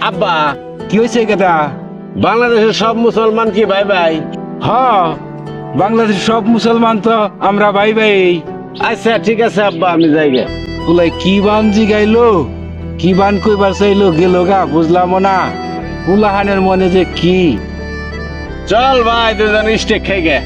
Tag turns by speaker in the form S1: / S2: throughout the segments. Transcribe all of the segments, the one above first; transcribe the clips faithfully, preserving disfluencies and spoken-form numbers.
S1: আব্বা
S2: কি হয়েছে কেটা?
S1: বাংলাদেশের সব মুসলমান কি ভাই ভাই?
S2: হ, বাংলাদেশ সব মুসলমান তো আমরা ভাই ভাই।
S1: আচ্ছা ঠিক আছে আব্বা, আমি যাই গে।
S2: কুলাই কি বান জিগাইলো, কি বান কইবার চাইলো গেল গা বুঝলাম না। কুলাহানের মনে যে কি।
S1: চল ভাই দুজন স্টেক খাই গে।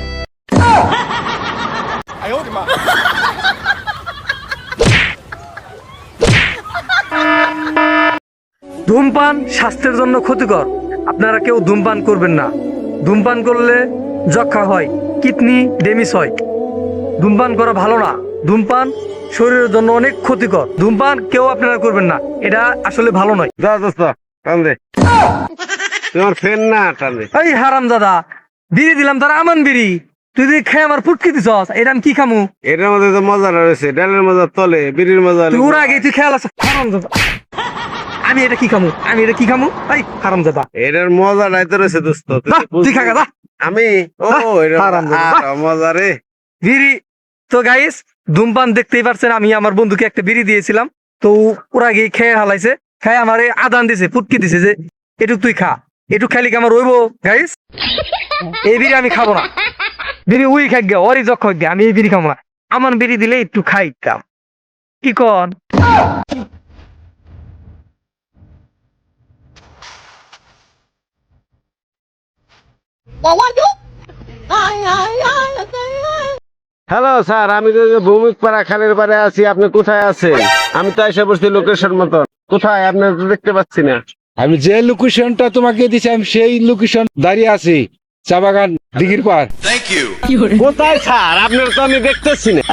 S3: ধূমপান স্বাস্থ্যের জন্য ক্ষতিকর, আপনারা কেউ ধূমপান করবেন না। ধূমপান করলে যক্ষা হয়, কিডনি ড্যামেজ হয়। ধূমপান করা ভালো না। ধূমপান শরীরের জন্য অনেক ক্ষতিকর। ধূমপান কেউ আপনারা করবেন না, এটা আসলে ভালো নয়।
S1: যা দোস্ত টান দে, তোমার ফ্রেন না টান দে।
S3: এই হারাম দাদা, বিড়ি দিলাম তার আমান বিড়ি, তুই যদি খেয়ে আমার ফুটকি দিছস, এটা আমি কি খামু?
S1: এটার মধ্যে তো মজা রয়েছে, ডালের মজা তলে, বিড়ির মজা।
S3: তুই ওর আগে তুই খেয়াল আছে হারাম দাদা। আমি এটা কি খামু? আমি এটা কি খামু? এই হারাম দাদা,
S1: এটার মজা নাই তো রয়েছে দোস্ত, তুই
S3: যা,
S1: বুঝবি।
S3: তুই খা গা, যা।
S1: আমি ও এটা
S3: হারামজাদা।
S1: আরো মজা রে।
S3: বিড়ি তো গাইস, ধূমপান দেখতেই পারছেন, আমি আমার বন্ধুকে একটা বিড়ি দিয়েছিলাম, তো ওরা গিয়ে খেয়ে হালাইছে, খেয়ে আমার আদান দিছে, ফুটকি দিছে যে এটুক তুই খা, এটুক খালি কি আমার রইব গাইস? এই বিড়ি আমি খাবো না। বিড়ি উই খাই গে, ওরই যক্ষ গে, আমি এই বিড়ি খাবো না। আমার বিড়ি দিলে একটু খাইতাম, কি কন?
S1: হ্যালো স্যার, আমি তো ভৌমিক পাড়া খালের পাড়ে আছি, আপনি কোথায় আছেন? আমি তো এসে বসছি লোকেশন মতন। কোথায় আপনি তো দেখতে পাচ্ছি না।
S2: আমি যে লোকেশনটা তোমাকে দিছি আমি সেই লোকেশন দাঁড়িয়ে আছি, চা বাগান দিঘির পার।
S1: কোথায় স্যার, আপনার তো আমি দেখতেছি না।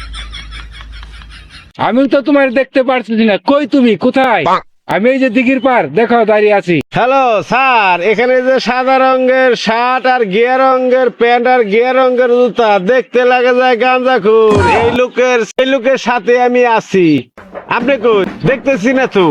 S2: আমি তো তোমার দেখতে পারছি না, কই তুমি কোথায়? আমি এই যে দিঘির পার, দেখো দাঁড়িয়ে আছি।
S1: হ্যালো স্যার, এখানে যে সাদা রঙের শার্ট আর গিয়া রঙের প্যান্ট আর গিয়া রঙের জুতা, দেখতে লাগে যায় গাঁজাখুর, এই লোকের সেই লোকের সাথে আমি আছি। আপনি কই দেখতেছি না তো।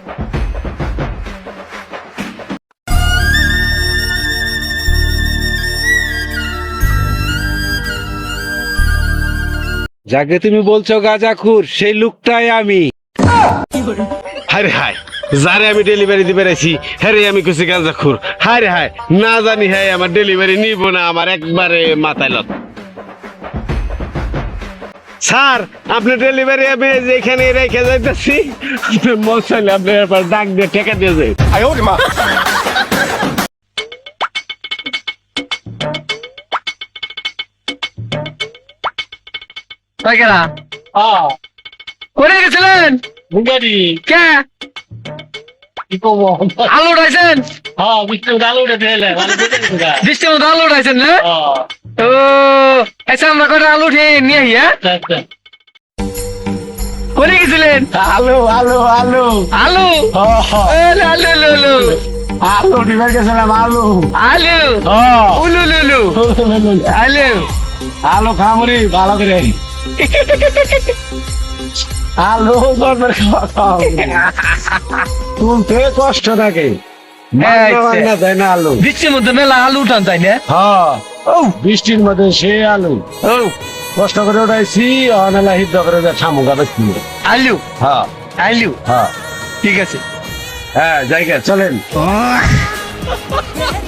S2: যাকে তুমি বলছো গাঁজাখুর, সেই লোকটাই আমি।
S1: হায় হায়, যারে আমি ডেলিভারি দিবে রাখছি হ্যাঁ আমি খুশি গাঁজাখুর। হায় হায়, না জানি হ্যাঁ আমার ডেলিভারি নিব না, আমার একবারে মাথায় লত। স্যার, আপনি ডেলিভারি আমি যেখানে রেখে যাইতেছি, আপনি মশাইলে আপনি এরপর ডাক দিয়ে ঠেকা দিয়ে যায়।
S3: তাই কেনা করে গেছিলেন কে? আলু উঠাইছেন? বৃষ্টির মতো আলু উঠাইছেন না? ও আচ্ছা, আমরা কটা আলু উঠে নিয়ে আহি। হ্যাঁ, করে গেছিলেন?
S1: আলু আলু আলু
S3: আলু আলু আলু আলু আলু
S1: আলু ডিবার গেছিলাম। আলু
S3: আলু উলু লুলু আলু
S1: আলু খামরি ভালো করে। আলু গরমের খাওয়া তুলতে কষ্ট থাকে, তাই না? আলু
S3: বৃষ্টির মধ্যে মেলা আলু উঠান, তাই না?
S1: হ্যাঁ, ও বৃষ্টির মধ্যে সে আলু ও কষ্ট করে উঠাইছি, অনেলা হিদ্ধ করে ছামুকা বেশি।
S3: আলু
S1: হ্যাঁ
S3: আলু
S1: হ্যাঁ
S3: ঠিক আছে।
S1: হ্যাঁ জায়গা চলেন।